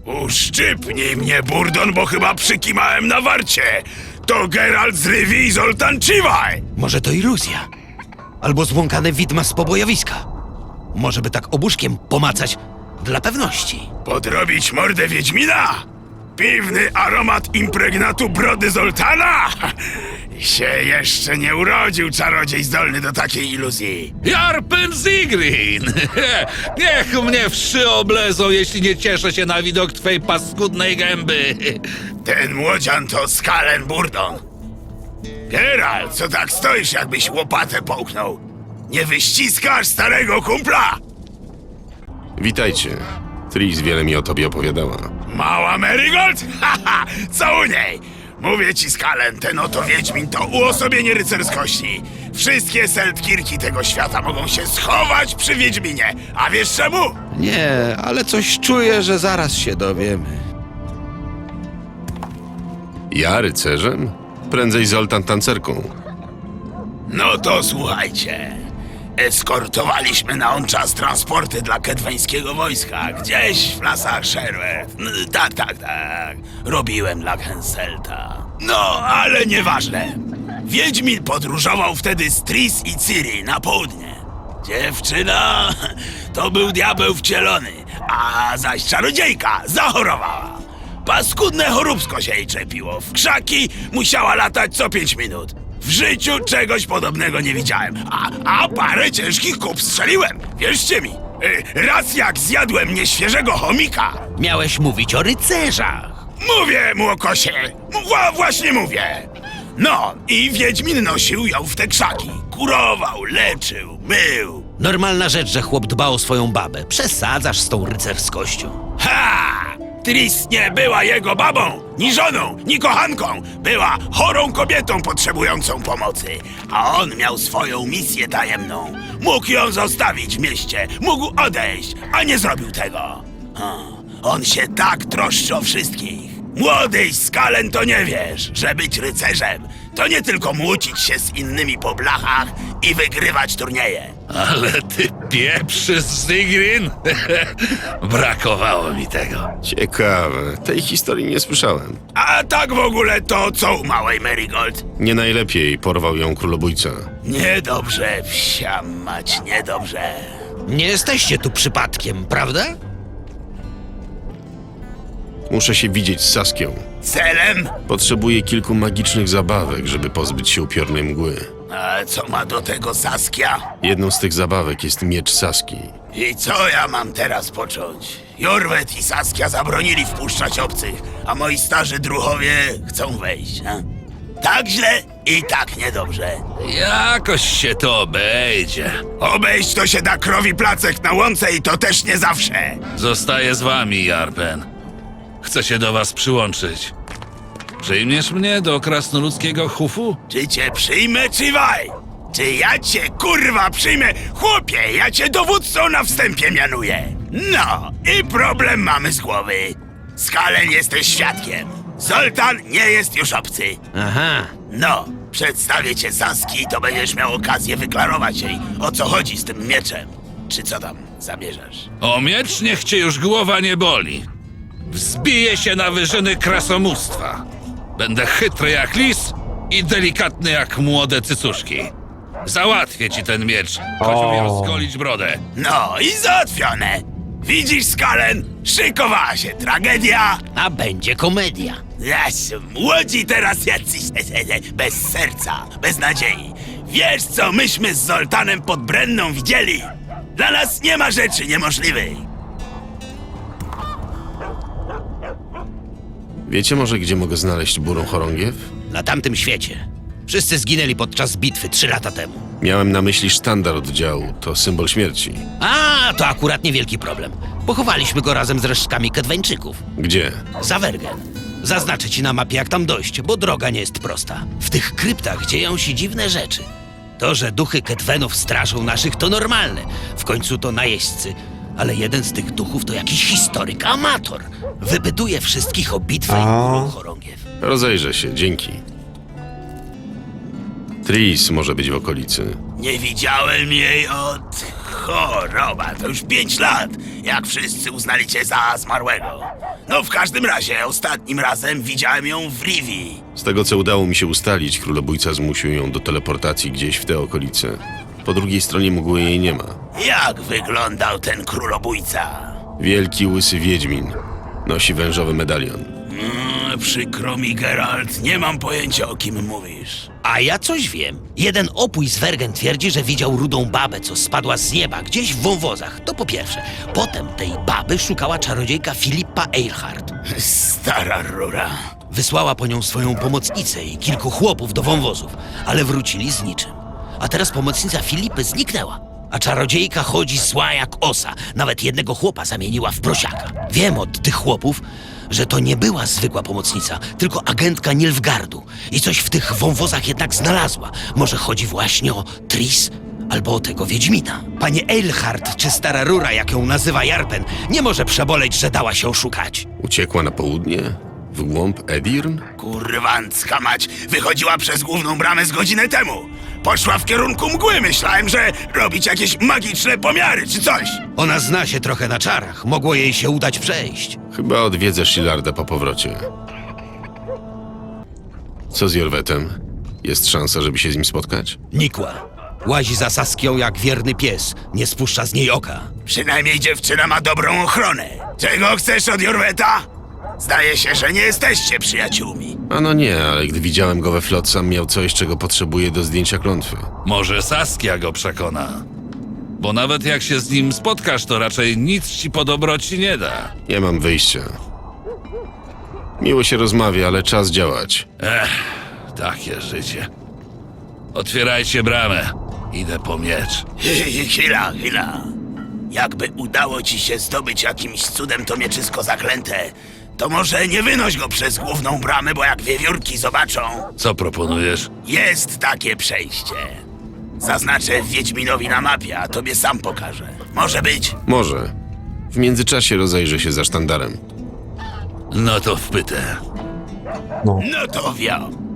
Uszczypnij mnie, Burdon, bo chyba przykimałem na warcie. To Geralt z Rivii i Zoltan Chivaj. Może to iluzja? Albo zbłąkane widma z pobojowiska. Może by tak obuszkiem pomacać dla pewności. Podrobić mordę Wiedźmina? Piwny aromat impregnatu brody Zoltana? Się jeszcze nie urodził czarodziej zdolny do takiej iluzji. Jarpen Zigrin! Niech mnie wszy oblezą, jeśli nie cieszę się na widok twej paskudnej gęby. Ten młodzian to Skalen Burdon. Geralt, co tak stoisz, jakbyś łopatę połknął? Nie wyściskasz starego kumpla? Witajcie. Tris wiele mi o tobie opowiadała. Mała Marigold? Haha, co u niej? Mówię ci, Skalen, ten oto Wiedźmin to uosobienie rycerskości. Wszystkie Seltkirki tego świata mogą się schować przy Wiedźminie. A wiesz czemu? Nie, ale coś czuję, że zaraz się dowiemy. Ja rycerzem? Prędzej Zoltan tancerką. No to słuchajcie. Eskortowaliśmy na on czas transporty dla kedweńskiego wojska, gdzieś w lasach Sherwood. Tak. Robiłem dla Henselta. No, ale nieważne. Wiedźmin podróżował wtedy z Tris i Ciri na południe. Dziewczyna to był diabeł wcielony, a zaś czarodziejka zachorowała. Paskudne choróbsko się jej czepiło. W krzaki musiała latać co 5 minut. W życiu czegoś podobnego nie widziałem. A parę ciężkich kup strzeliłem. Wierzcie mi. Raz jak zjadłem nieświeżego chomika. Miałeś mówić o rycerzach. Mówię, młokosie. Właśnie mówię. No, i Wiedźmin nosił ją w te krzaki. Kurował, leczył, mył. Normalna rzecz, że chłop dba o swoją babę. Przesadzasz z tą rycerskością. Ha! Tris nie była jego babą, ni żoną, ni kochanką. Była chorą kobietą potrzebującą pomocy. A on miał swoją misję tajemną. Mógł ją zostawić w mieście, mógł odejść, a nie zrobił tego. On się tak troszczy o wszystkich. Młody Skalen, to nie wiesz, że być rycerzem to nie tylko młócić się z innymi po blachach i wygrywać turnieje. Ale ty pieprzy Zigrin! Brakowało mi tego. Ciekawe. Tej historii nie słyszałem. A tak w ogóle to co u małej Marigold? Nie najlepiej porwał ją królobójca. Niedobrze, wsia mać, niedobrze. Nie jesteście tu przypadkiem, prawda? Muszę się widzieć z Saskią. Celem? Potrzebuję kilku magicznych zabawek, żeby pozbyć się upiornej mgły. A co ma do tego Saskia? Jedną z tych zabawek jest miecz Saski. I co ja mam teraz począć? Jorwet i Saskia zabronili wpuszczać obcych, a moi starzy druhowie chcą wejść, a? Tak źle i tak niedobrze. Jakoś się to obejdzie. Obejść to się da krowi placek na łące i to też nie zawsze. Zostaję z wami, Jarpen. Chcę się do was przyłączyć. Przyjmiesz mnie do krasnoludzkiego hufu? Czy cię przyjmę, czy waj? Czy ja cię, kurwa, przyjmę? Chłopie, ja cię dowódcą na wstępie mianuję. No, i problem mamy z głowy. Skalen jesteś świadkiem. Zoltan nie jest już obcy. Aha. No, przedstawię cię Saski, to będziesz miał okazję wyklarować jej, o co chodzi z tym mieczem. Czy co tam zamierzasz? O miecz niech cię już głowa nie boli. Wzbiję się na wyżyny krasomóstwa. Będę chytry jak lis i delikatny jak młode cycuszki. Załatwię ci ten miecz, choć umiem zgolić brodę. No i załatwione. Widzisz, Skalen? Szykowała się tragedia. A będzie komedia. Młodzi teraz jacyś bez serca, bez nadziei. Wiesz, co myśmy z Zoltanem pod Brenną widzieli? Dla nas nie ma rzeczy niemożliwej. Wiecie może, gdzie mogę znaleźć burą chorągiew? Na tamtym świecie. Wszyscy zginęli podczas bitwy 3 lata temu. Miałem na myśli sztandar oddziału. To symbol śmierci. A, to akurat niewielki problem. Pochowaliśmy go razem z resztkami Kedweńczyków. Gdzie? Za Wergen. Zaznaczę ci na mapie, jak tam dojść, bo droga nie jest prosta. W tych kryptach dzieją się dziwne rzeczy. To, że duchy Kedwenów strażą naszych, to normalne. W końcu to najeźdźcy. Ale jeden z tych duchów to jakiś historyk, amator. Wypytuje wszystkich o bitwę i górą chorągiew. Rozejrzę się, dzięki. Tris może być w okolicy. Nie widziałem jej od Choroba, to już 5 lat, jak wszyscy uznali cię za zmarłego. No w każdym razie, ostatnim razem widziałem ją w Rivi. Z tego co udało mi się ustalić, królobójca zmusił ją do teleportacji gdzieś w te okolice. Po drugiej stronie mgły jej nie ma. Jak wyglądał ten królobójca? Wielki, łysy wiedźmin. Nosi wężowy medalion. Przykro mi, Geralt, nie mam pojęcia, o kim mówisz. A ja coś wiem. Jeden opój z Wergen twierdzi, że widział rudą babę, co spadła z nieba, gdzieś w wąwozach. To po pierwsze. Potem tej baby szukała czarodziejka Filipa Eilhart. Stara rura. Wysłała po nią swoją pomocnicę i kilku chłopów do wąwozów, ale wrócili z niczym. A teraz pomocnica Filipy zniknęła. A czarodziejka chodzi zła jak osa. Nawet jednego chłopa zamieniła w prosiaka. Wiem od tych chłopów, że to nie była zwykła pomocnica, tylko agentka Nilfgaardu. I coś w tych wąwozach jednak znalazła. Może chodzi właśnie o Tris albo o tego Wiedźmina. Panie Eilhart, czy stara rura, jak ją nazywa Jarpen, nie może przeboleć, że dała się oszukać. Uciekła na południe? W głąb Edirn? Kurwancka mać, wychodziła przez główną bramę z godzinę temu. Poszła w kierunku mgły, myślałem, że robić jakieś magiczne pomiary czy coś. Ona zna się trochę na czarach. Mogło jej się udać przejść. Chyba odwiedzę Shilarda po powrocie. Co z Jorwetem? Jest szansa, żeby się z nim spotkać? Nikła. Łazi za Saskią jak wierny pies. Nie spuszcza z niej oka. Przynajmniej dziewczyna ma dobrą ochronę. Czego chcesz od Jorweta? Zdaje się, że nie jesteście przyjaciółmi. Ano nie, ale gdy widziałem go we Flotsam, miał coś, czego potrzebuje do zdjęcia klątwy. Może Saskia go przekona. Bo nawet jak się z nim spotkasz, to raczej nic ci po dobroci nie da. Nie mam wyjścia. Miło się rozmawia, ale czas działać. Takie życie. Otwierajcie bramę. Idę po miecz. Chwila. Jakby udało ci się zdobyć jakimś cudem to mieczysko zaklęte, to może nie wynoś go przez główną bramę, bo jak wiewiórki zobaczą, Co proponujesz? jest takie przejście. Zaznaczę Wiedźminowi na mapie, a tobie sam pokażę. Może być? Może. W międzyczasie rozejrzę się za sztandarem. No to wpytę. No to wio.